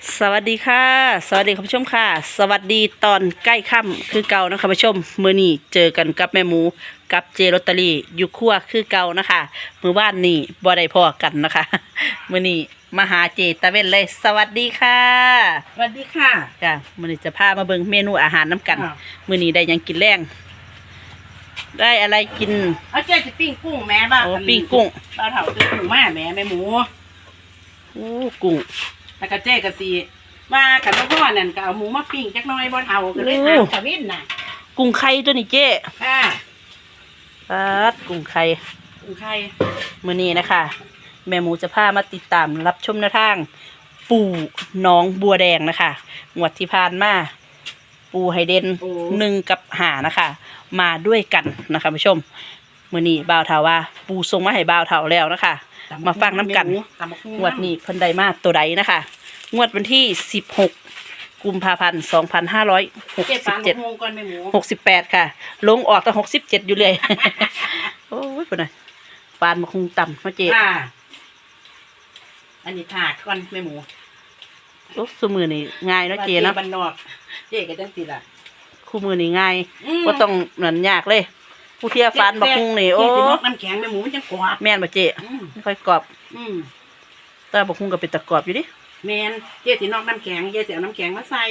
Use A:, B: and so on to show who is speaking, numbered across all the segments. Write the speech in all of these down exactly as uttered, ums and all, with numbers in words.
A: สวัสดีค่ะสวัสดีคุณผู้ชมค่ะสวัสดีตอนใกล้ค่ำคือเก่านะคะคุณผู้ชมมื้อนี้เจอกันกับแม่หมูกับเจลอตเตอรี่อยู่ครัวคือเก่านะคะมื้อวานนี้บ่ได้พอกันนะคะมื้อนี้มาหาเจตะเว้นเลย สวัสดีค่ะ
B: สวัสดีค่ะ
A: จ้ะมื้อนี้จะพามาเบิ่งเมนูอาหารน้ำกัน
B: อ้าว
A: มื้อนี้ได้หยังกินแรงได้อะไรกิน
B: เอาเจ๊จะปิ้งกุ้งแม่บ้าง
A: โอ้ปิ้งกุ้ง
B: ปลาเถาซื้อกุ้งมาแม่แม่หมู
A: โอ้กุ้ง
B: แล้วก็เจ๊กะสีว่าขันพ่อนั่นก็เอาหมูมาปิ้งจักหน้อยบ่เอาก็เลยถามตะวินน่ะ
A: กุ้งไข่ตัวนี้เจ้
B: ค่ะ
A: ปัดกุ้งไข่
B: กุ้งไข่
A: มื้อนี้นะคะแม่หมูจะพามาติดตามรับชมแนวทาง ปู่น้องบัวแดงนะคะงวดที่ผ่านมาปู่ไฮเดนหนึ่งกับหานะคะ มาด้วยกันนะคะผู้ชมมื้อนี้บ่าวเฒ่าว่า ปู่ส่งมาให้บ่าวเฒ่าแล้วนะคะ มาฟังน้ำกัน
B: ตำบักหุ่
A: งวดนี้เพิ่นได้มาตัวใดนะคะ งวดวันที่สิบหกกุมภาพันธ์สองพันห้าร้อยหก
B: เจ๊
A: สิ
B: ปา
A: บ
B: น
A: เจ็ด
B: บักหุ่งก่อนแม่หมู
A: หกสิบแปดค่ะ ลงออกตั้งหกสิบเจ็ดอยู่เลย โอ้ยปุ่นน่ะปานมาคงต่ำเนาะเจ๊
B: ค่ะอันนี้ถาดก่อนแม่หมู
A: โอ้คู่มือนี่ง่ายเนาะเจ๊เนาะ
B: บ้านนอกเจ๊ก็จังสิล่ะ
A: คู่มือนี่ง่าย
B: อืม
A: ก็ต้องเหมือนยากเลย ผู้เที่ยวฟันบักคุงนี่โอ้
B: เจ๊สินอกน้ำแข็งแม่หมูมันจังกรอบ
A: แม่นบ่เจ๊
B: อืม
A: ไม่ค่อยกรอบ
B: อืม
A: แต่บักคุงก็เป็นตะกรอบอยู่ดิ
B: แมนเจ๊สินอกน้ำแข็งเจ๊สิเอาน้ำแข็งมาใส่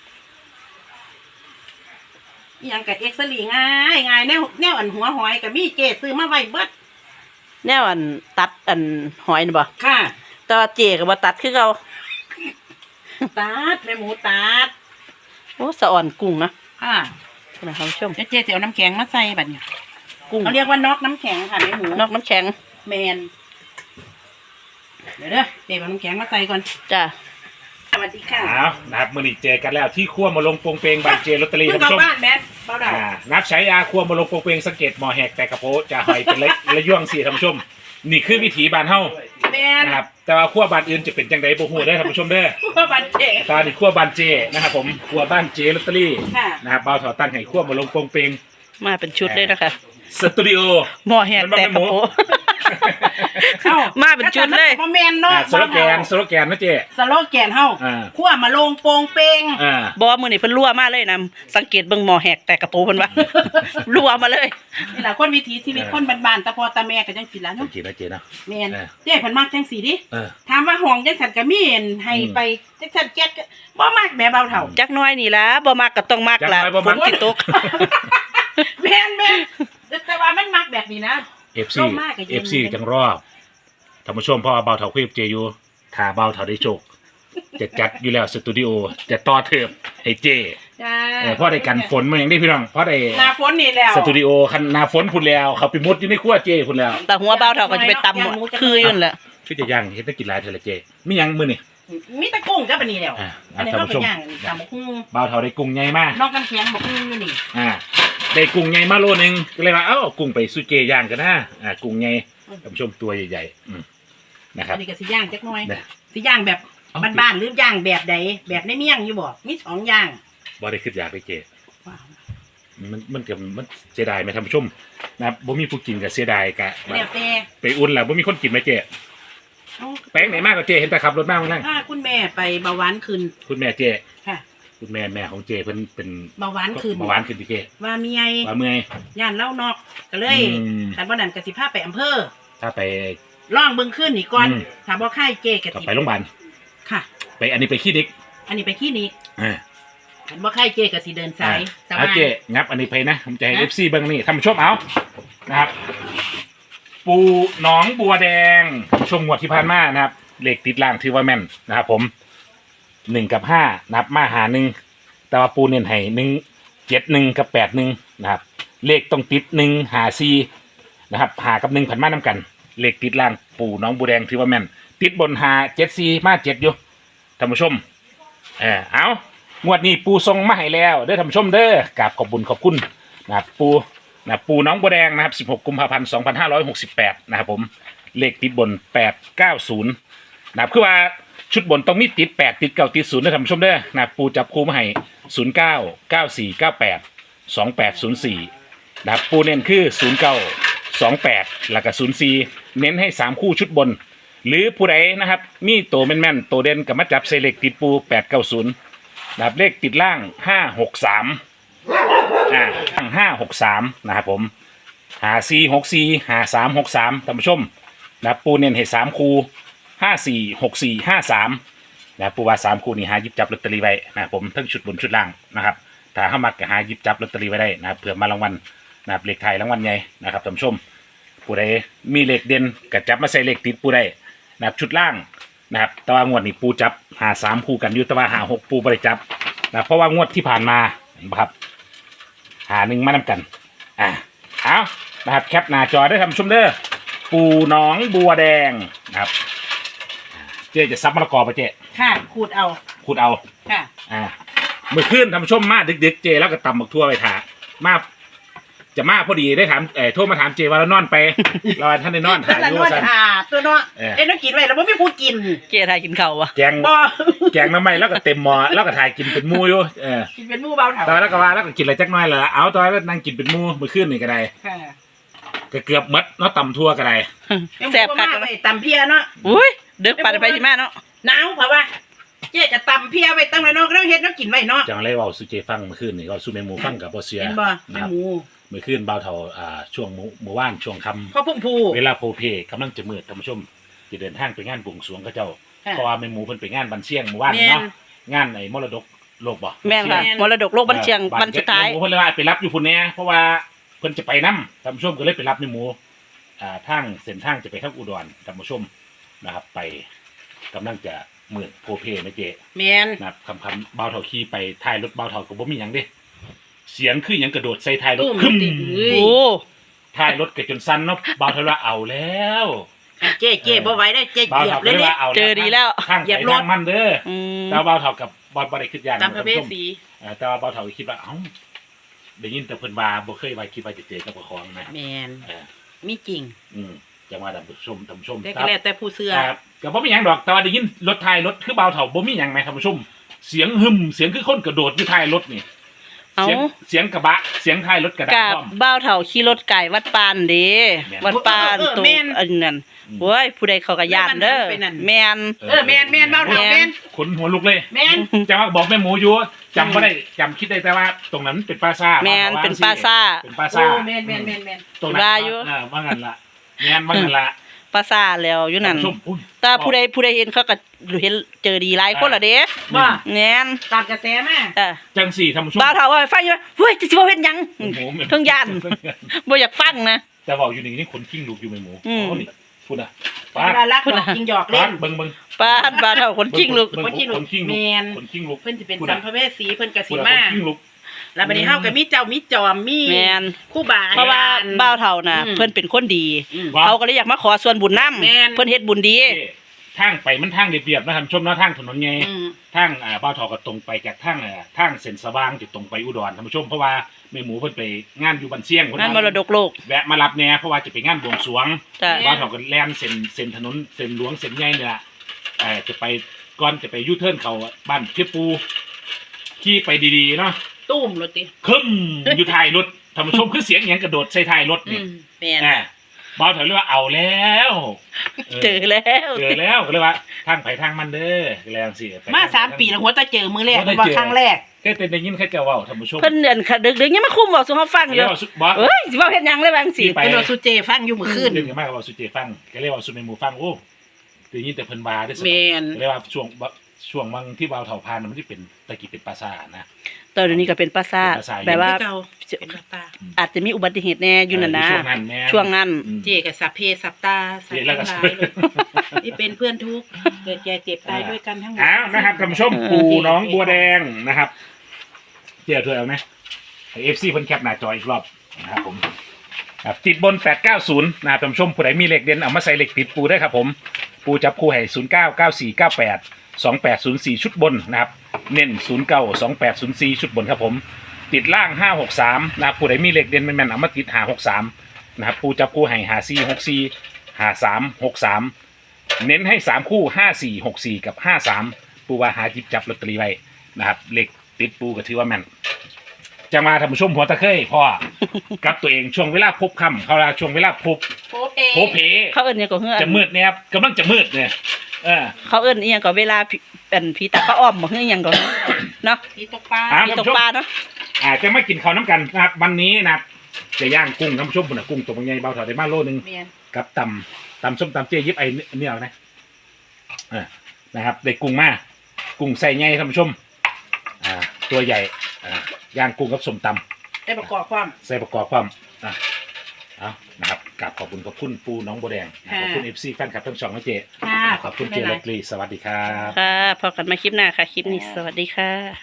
B: อหยังกับเอ็กซ์ลีง่ายง่ายแนวแนวอันหัวหอยกับมีเจ๊ซื้อมาไว้เบิด
A: แนวอันตัดอันหอยนี่บ่
B: ค่ะ
A: แต่ว่าเจ๊ก็บ่ตัดคือเก่า
B: ตัดแม่หมูตัด
A: โอ้สะอ่อนกุ้งนะ
B: ค่ะ
A: นะครับผู้ชม
B: เดี๋ยวเจ๊สิเอาน้ำแข็งมาใส่บัดเนี่ย
A: กุ้ง
B: เขาเรียกว่านอกน้ำแข็งค่ะแม่หมู
A: นอกน้ำแข็ง
B: แมนเดี๋ยวเด้อเจ๊เอาน้ำแข็งมาใส่ก่อน
A: จ้ะ
B: สวัสดีค่ะ
C: เอานะครับมื่อนี้เจอกันแล้วที่ขั้วมาลงโปงเปงบานเจลอตเตอรี่
B: เพิ่ง
C: ท่าน
B: กลับ
C: ผู้ชม
B: บ้านแมนเบาดาว
C: อ่านับใช้ยาขั้วมาลงโปงเปงสังเกตหมอแหกแต่กระโปจะหอยเป็นระระย่วงสี่ท่านผู้ชม นี่คือวิถีบานเฮา
B: แมน
C: นะครับแต่ว่าขั้วบานอื่นจะเป็นจังไดบ่ฮู้ได้อท่านผู้ชมเด้อ
B: เพื่อบัตรเจ๊
C: ตอนนี้ขั้วบานเจนะครับผมขั้วบ้านเจลอตเตอรี่
B: ค่ะ
C: นะครับบ่าวถอตั้งให้ขั้วมาลงโปงเปง
A: มาเป็นชุดเลยนะคะ
C: สตูดิโอ
A: หม้อแหกแตกกระโปะ
B: เอ้า
A: มาเป็นชุดเลย
B: บ่แมนเนาะ
C: อ่าสโลแกนสโลแกนนะเจ
B: สโลแกนเฮา
C: อ่า
B: ขั้วมาลงโปงเปง
C: อ่า
A: บอกว่ามือนี่เพิ่นรั่วมาเลยนะสังเกตเบิ่งหมอแหกแต่กระโปรงเพิ่นว่า รั่วมาเลย
B: นี่แหละคนวิถีชีวิตคนบ้านๆตาพ่อตาแม่ก็จังสิล่ะ
C: จั
B: เนาะ
C: งซี่นะเจนะ
B: แม่น
C: เออ
B: เจ้เพิ่นมักจังสีดิ
C: เออ
B: ถามว่าห้องจังซั่นก็มีเห็นให้
C: อืม
B: ไปจังซั่นแก๊สก็บ่มักแม่เบาเฒ่า
A: จักหน้อยนี่ล่ะบ่มักก็ต้องมักล่ะ
C: จักหน่อยบ่
A: ฝ
C: มัก
A: นสิตก
B: แม่นแม่นแต่ว่ามันมักแบบนี้นะ
C: เอฟซี
B: ร่มมากก็ยืน
C: เอฟซีจังรอบท่านผู้ชมเพราะว่าเบาเถาคุยกับเจอยู่ถ้าเบาเถาได้โชคจะจัดอยู่แล้วสตูดิโอจะต่อเทิบให้เจ
B: จ้า
C: เออเพราะได้กันฝนมาอย่างนี้พี่น้องเพราะได้
B: หน้าฝนนี่แล้ว
C: สตูดิโอคันหนาฝนพุ่นแล้วเขาไปมุดอยู่ในครัวเจพุ่นแล้ว
A: แต่หัวเบาเท่าก็จะไปตำหมดคืออยู่นั่นแหละ
C: คือจะย่างเฮ็ดได้กินหลายเท่าละเจมีหยังมื้อนี่
B: มีแตะกุ้งกับอันนี้แล้ว
C: อ่า
B: อันนี้
C: ท่าน
B: เฮา
C: ผู้
B: ก็
C: ชม
B: ย่างตำบักหุ่ง
C: เบาเถาได้กุ้งใหญ่มาก
B: นอกกันแข็งบักหุ่งอยู่นี่
C: อ่าได้กุ้งใหญ่มาโลนึงก็เลยว่าเอ้าเอากุ้งไปสู้เจย่างกันนะอ่ากุ้งใหญ่ท่านผู้ชมตัวใหญ่ๆอืมนะครั
B: อั
C: บ
B: นนี้ก็สิย่างจักหน่อย
C: เนี่ย
B: สิย่างแบบ
C: เอา
B: บ้านๆหรือย่างแบบใดแบบในเมี่ยงอยู่บ่มีสองอย่าง
C: บ่ได้คิดอยากไปเจ
B: ว้าว
C: มันมันก็มันเสียดายไหมท่านผู้ชมนะครับบ่มีผู้กินก็เสียดายกะ
B: แล้วแต่
C: ไปอุ่นแล้วบ่มีคนกินไหมเจ๊
B: เอา
C: แป้งไหนมากกว่าเจ๊เห็นแต่ขับรถมาข้างล่าง
B: ถ้าคุณแม่ไปเบาหวานขึ้น
C: คุณแม่เจ๊
B: ค่ะ
C: คุณแม่แม่ของเจ๊เพิ่นเป็น
B: เบาหวานขึ้น
C: เบาหวานขึ้นที่เจ๊
B: ว่าเมีย
C: ว่าเมื่อย
B: ย่านเล่านอกก็เลย
C: อืม
B: คันบ่นั้นก็สิพาไปอำเภอ
C: ถ้าไป
B: ล่องเบิ่งขึ้นนี่ก่อน
C: อืม
B: ถ้าบ่ค่ายเจก็
C: ก็
B: สิ
C: ไปโรงพยาบาล
B: ค่ะ
C: ไปอันนี้ไปคลินิก
B: อันนี้ไปคลินิก
C: อ่า
B: คันบ่ค่ายเจก็สิเดินสายส
C: เอา
B: บาย
C: เจ๊งับอันนี้ไปนะผมจะให้
B: นะ
C: เอฟซีเบิ่งนี่ท่านผู้ชมเอานะครับ ปูหนองบัวแดงช่วงงวดที่ผ่านมานะครับเลขติดล่างถือว่าแม่นนะครับผมหนึ่งกับห้านับมาหาหนึ่งแต่ว่าปูเน้นให้หนึ่งเจ็ดหนึ่งกับแปดหนึ่งนะครับ เลขต้องติดหนึ่งหาซีนะครับหากับหนึ่งผันมาน้ากัน เลขติดล่างปูหน้องบัวแดงถือว่าแม่นติดบนหาเจ็ดซีมาเจ็ดอยู่ท่านผู้ชมเออเอางวดนี้ปูทรงมาให้แล้วเด้อท่านผู้ชมเด้อกราบขอบบุญขอบคุณนะครับปูนะปูหน้องบัวแดงนะครับสิบหกกุมภาพันธ์สองพันห้าร้อยหกสิบแปดนะครับผมเลขติดบนแปดเก้าศูนย์นะครับคือว่าชุดบนต้องมีติดแปดติดเก้าติดศูนย์นะท่านผู้ชมเด้อนะครับปูจับคู่มาให้ศูนย์เก้าเก้าสี่เก้าแปดสองแปดศูนย์สี่นะครับปูเน้นคือศูนย์เก้าสองแปดแล้วก็ศูนย์สี่เน้นให้สามคู่ชุดบนหรือผู้ใดนะครับมีตัวแม่นๆตัวเด่นกับมาจับเซเล็กติดปูแปดเก้าศูนย์นะครับเลขติดล่างห้าหกสามอ่าตั้งห้าหกสามนะครับผมหาสี่หกสี่หาสามหกสามท่านผู้ชมนะครับปูเน้นให้สามคูห้าสี่หกสี่ห้าสามนะปูว่าสามคูนี่หาหยิบจับลอตเตอรี่ไว้นะครับผมทั้งชุดบนชุดล่างนะครับถ้าเข้ามาก็หาหยิบจับลอตเตอรี่ไว้ได้นะครับเผื่อมารางวัลนะครับเลขไทยรางวัลใหญ่นะครับท่านผู้ชมผู้ใดมีเลขเด่นก็จับมาใส่เลขติดปูได้นะครับชุดล่างนะครับแต่ว่างวดนี้ปูจับหาสามคู่กันอยู่แต่ว่าหาหกปูบริจับนะเพราะว่างวดที่ผ่านมาครับหาหนึ่งมานำกันอ่าเอานะครับแคปหน้าจอได้ท่านผู้ชมเด้อปูหนองบัวแดงนะครับเจ๊จะซับมะละกอไปเจ๊
B: ค่ะขูดเอา
C: ขุดเอา
B: ค่ะ
C: อ่าเมื่อคืนท่านผู้ชมมาดึกๆเจแล้วก็ตำบักทั่วไปถามาจะมาพอดีได้ถามเอ่อโทรมาถามเจว่าเรานอนไป เราท่านได้นอน
B: ถ้า
C: ถ่าย
B: ละ
C: อยู่
B: นวด
C: สั่น
B: อ่าตัวเนาะ
C: เออ
B: เอ้ยน้องกินไว้แล้วบ่มีผู้กิน
A: เกียร์ไทยกินข้าววะ
C: แกง
B: บ่
C: แกงน้ำไหมแล้วก็เต็มหม้อแล้วก็ถ่ายกินเป็นหมูอยู่เออ
B: กินเป็นหมู่เบาเถา
C: ตอนแล้วก็ว่าแล้วก็กินอะไรจักหน้อยละเอาตอนแล้วนั่งกินเป็นหมูเมื่อคืนนี่ก็ได้
B: ค่ะ
C: ก็เกือบหมดเนาะตำทั่วก็ได้
A: แซ่บคัก
B: มาก
A: เล
B: ไป
A: ย
B: ตำเพียเนาะ
A: อุ้ยเด็กปันไปที่มาเนาะ
B: หนาวเพราะว่าเจ๊จะตำเพียไว้ตั้งไว้เนาะก็ต้องเฮ็ดเนาะกินไว้เนาะ
C: จังไรเว่าสุเจฟังเมื่อคืนนี่ก็สุเมหมูฟังกับบ่เสีย
B: เห็นบ่
C: นะ
B: แม่
C: ครับ
B: หมู
C: เมื่อคืนเบาเท่าอ่าช่วงหมู่หมู่บ้านช่วงค่ำ
B: พ่อพุ่มพู
C: เวลาโพเพกำลังจะมืดท่านผู้ชมจะเดินทางไปงานบวงสรวงเขาเจ้า
B: ค่ะ
C: เพราะว่าแม่หมูเพิ่นไปงานบันเชียงเมื่อวาน
B: แม่น
C: เนาะงานไอ้มรดกโลกบ่
A: แม่นค่ะมรดกโลกบันเชียง
C: ออ
A: วันสุดท้าย
C: แม่หมูเพิ่นเลยว่าไปรับอยู่พุ่นแน่เพราะว่าเพิ่นจะไปนํท่านผู้ชมก็เลยไปรับแม่หมูอ่าทางเส้นทางจะไปทางอุดรท่านผู้ชมนะครับ ไปกำลังจะมืดโพเพนะเจ
B: แม่น
C: นะครับคำคำเบาเท่าขี่ไปท้ายรถเบาเท่าก็บ่มีหยังเด้เสียงคือหยังกระโดดใส่ท้ายรถ
B: ตุ้ม
C: คึม
B: ติดเอ้ย
A: โอ้
C: ท้ายรถก็จนสั่นเนาะเบาเท่าว่าเอาแล้ว
B: เจ๊เจ๊บ่ไหวได้เจ๊
C: บ่าว
B: เหยียบ
C: เท่า
B: เล
C: ก็
B: ย
C: เลย
B: เนี่
C: ว่าย เอา
A: เจอดีแล้ว
C: ทาง
B: เหยี
C: ไป
B: ยบรถ
C: ทางมันเด้อ
A: อืม
C: แต่ว่าบ่าวเท่ากับบอลบ่ได้คิดอย่าง
B: ตามพระเวสสี
C: เออแต่ว่าบ่าวเท่าก็คิดว่าเอ้าได้ยินแต่เพิ่นว่าบ่เคยว่าคิดว่าจะเจอกับบ่ของนะ
B: แม่น
C: เออ
B: มีจริง
C: อืมจังว่าท่านผู้ชมท่านผู้ชม
B: แต่
C: ค
B: ก็
C: รับ
B: แล้วแต่ผู้เชื่อ
C: ครับก็บ่มีหยังดอกแต่ว่าได้ยินรถท้ายรถคือบ่าวเท่าบ่มีหยังไหมท่านผู้ชม เสียงหึมเสียงคือคนกระโดดอยู่ท้ายรถนี่
A: เอา
C: เสียงเสียงกระบะเสียงท้ายรถกระดัง
A: กับ
C: พร้อม
A: บ้าวเถาขี่รถไก่วัดปานเด้
C: แม่น
A: วัดปาน
B: เออเออ
A: ตัว
B: แม่น
A: อันนั้น
C: อืม
A: โว้ยผู้ใดเขาก็ย่านเด้อ
B: แม่นไปนั่น
A: แม่น
B: เออแม่นแม่นเบาเถาแม่น
C: ขนหัวลุกเลย
B: แม่น
C: จังว่าบอกแม่หมูอยู่จำบ่ได้จำคิดได้แต่ว่า ตรงนั้นเป็นปราสาท
A: แม่นเป็นปลาซ่า
C: เป็นปรา
B: โอ้
C: สาท
B: แม่นแม่นแม่นแม่น
C: ตรงนั้น
A: ว่าอยู่
C: เออว่างั้นละแม่นว่างั้นละ
A: ปลาซ่าแล้วอยู่นั่น
C: ท่าผู้ชมอุ้ย
A: แต่ผู้ใดผู้ใดเห็นเขาก็เห็นเจอดีหลายคนละเด้
B: ว่า
A: แม่น
B: ตามกระแสมา
A: เออ
C: จังสี่ท่านผู้ชม
A: บ้าวเถาว่าฟังอยู่ว่าเฮ้ยจะสิบ่เฮ็ดหยัง
C: โอ้โหแม่
A: เพิ่งย่านบ่อยากฟังนะ
C: แต่บอกอยู่นี่นี่คนขิ้งลูกอยู่แม่หมู
A: อืม
C: โอ้นี่พูดนะ
B: เว
C: ป้าด
B: ลารักหยอกจริงหยอกเล่
C: ป้าน ดเบิ่งเบิ่ง
A: ป้าดบ้าวเถาคนจริงลูก
C: เบิ่
B: คนขี้ลุก
C: คนขิ้งลูก
B: แม่น
C: คนขิ้งลูก
B: เพิ่นสิเป็น
C: พูด
B: สั
C: นะ
B: มภเวสีเพิ่นก็
C: พู
B: สิ
C: ดนะ
B: มา
C: คนขิ้งลูก
B: แล้วบัดนี้เฮาก็มีเจ้ามีจอมมี
A: แม่น
B: ครู่บา
A: เพราะว่าบ้าวเถาน่ะ
B: อืม
A: เพิ่นเป็นคนดี
B: อืม
C: ว่า
A: เขาก็เลยอยากมาขอส่วนบุญนำ
B: แม่น
A: เพิ่นเฮ็ดบุญดี
C: เอ้ทางไปมันทางเรียบๆนะท่านผู้ชมเนาะทางถนนไง
B: อืม
C: ทางอ่าบ้าวทอก็ตรงไปจากทางอ่าทางเส้นสว่างจะตรงไปอุดรท่านผู้ชมเพราะว่าแม่หมูเพิ่นไปงานอยู่บันเชียงเพิ่
A: นั่นมรดกโลก
C: แวะมารับแหน่เพราะว่าจะไปงานบวงสรวง
A: จ้ะ
B: แม่
C: บ้าวทอก็แล่นเส้นเส้นถนนเส้นหลวงเส้นใหญ่นี่ล่ะเอ่อจะไปก่อนจะไปยูเทิร์นเขาบ้านเพียปูขี่ไปดีๆเนาะ
B: ตุ้มรถติ
C: คึมอยู่ท้ายรถท่านผู้ชมคือเสียงหยังกระโดดใส่ท้ายรถ
B: อื
C: นี่
B: มแม่น
C: อ่าบ้าวทอเลยว่าเอาแล้วเออ
A: เจอแล้ว
C: เจอแล้วก็เลยว่าทางไผทางมันเด้อก็แล้วสิไป
B: มา
C: ทง
B: สามปีแล้วหัวตาเจอมือแรก
C: หัวตาเจอ
B: ว่าครั้งแรก
C: แค่แต่ได้ยินแค่เจ้าเว้าท่านผู้ชม
A: เพิ่นเดินค่ะดึกๆยังมาคุมบอกสู่เฮาฟังอ
C: เรีย
A: ยู่
C: กว่าสุบอส
A: เอ้ยสิเว้าเฮ็ดหยังเลยบางสิ
C: ที่ไป
B: เพิ่นว่าสุเจฟังอยู่มื้อคืน
C: เรื่องมากกว่าสุเจฟังก็เรียกว่าสุเมหมูฟังโอ้ได้ยินแต่เพิ่นบาได้ส
B: แม่น
C: ก็เรียกว่าช่วงบช่วงบางที่วาวเถาพานมันที่เป็นตะกี้เป็นปราสาทนะ
A: ตอนนี้ก็เป็นปราสาท
C: เป็นปราสาท
A: แบบว่า
B: เก่าเป็นวัดตา
A: อาจจะมีอุบัติเหตุแน่อยู่นั่นนะ
C: ช่วงนั้นแม่
A: ช่วงนั้น
C: อืม
B: เจกับสัพเพสัพตาสัพ
C: เรียนแล้วก็
B: ทั้งหลายที่เป็นเพื่อนทุกข์เกิดแก่เจ็บตายด้วยกันทั้งหมด
C: อ้าวนะครับท่านผู้ชม
A: เออ
C: ปูน้องบัวแดงนะครับเจ้าถ้วยเอาไหมเอฟซีเพิ่นแคปหน้าจออีกรอบนะครับผมครับติดบนแปดเก้าศูนย์นะครับท่านผู้ชมผู้ใดมีเหล็กเด่นเอามาใส่เหล็กติดปูได้ครับผมปูจับคู่ให้ศูนย์เก้าเก้าสี่เก้าแปดสองแปดศูนย์สี่ชุดบนนะครับเน้นศูนย์เก้าสองแปดศูนย์สี่ชุดบนครับผมติดล่างห้าหกสามนะครับผู้ใดมีเหล็กเด่นแม่นๆเอามาติดหาหกสามนะครับปูจับคู่ให้หาสี่หกสี่หาสามหกสามเน้นให้สามคู่ห้าสี่หกสี่กับห้าสามปูว่าหาจิบจับลอตเตอรี่ไว้นะครับเหล็กติดปูก็ถือว่าแม่นจะมาทำชมหัวตะเคยพ่อ กับตัวเองช่วงเวลาพบค่ำเขาลาช่วงเวลาพบ
B: โพเพ
C: โพเพ
A: เขาเอิ้นหยังก็เฮือ
C: จะมืดเนี่ยครับกำลังจะมืดเนี่ยเออ
A: เขาเอิ้นอีหยังก็เวลาผีเป็นผีตาเขาอ้อมบ่เฮือหยังก็เนาะ
B: ที่ตกปลา
C: อ่ะ
A: ผีตกปลาเนาะ
C: อาจจะไม่กินข้าวน้ำกันนะครับวันนี้นะครับจะย่างกุ้งน้ำชุ่มปุ่นนะกุ้งตัวใหญ่เบาถอดได้มาโลนึง
B: เมียน
C: กับตำตำส้มตำเจี๊ยยิบไอ้เนี่ยเอานะอ่านะครับได้กุ้งมากุ้งใส่ใหญ่ท่านผู้ชมอ่าตัวใหญ่อ่าย่างกุ้งกับส้มตำ
B: ได้ประกอบความ
C: ใส่ประกอบความอ่ะเอานะครับกราบขอบคุณขอบคุณปูน้องโบแดงนะขอบคุณเอฟซีแฟนคลับทั้งสองนะเจ
B: ค่ะ
C: ขอบคุณเจลตรีสวัสดีครับ
A: ค่ะพอกันมาคลิปหน้าค่ะ คลิปนี้สวัสดีค่ะ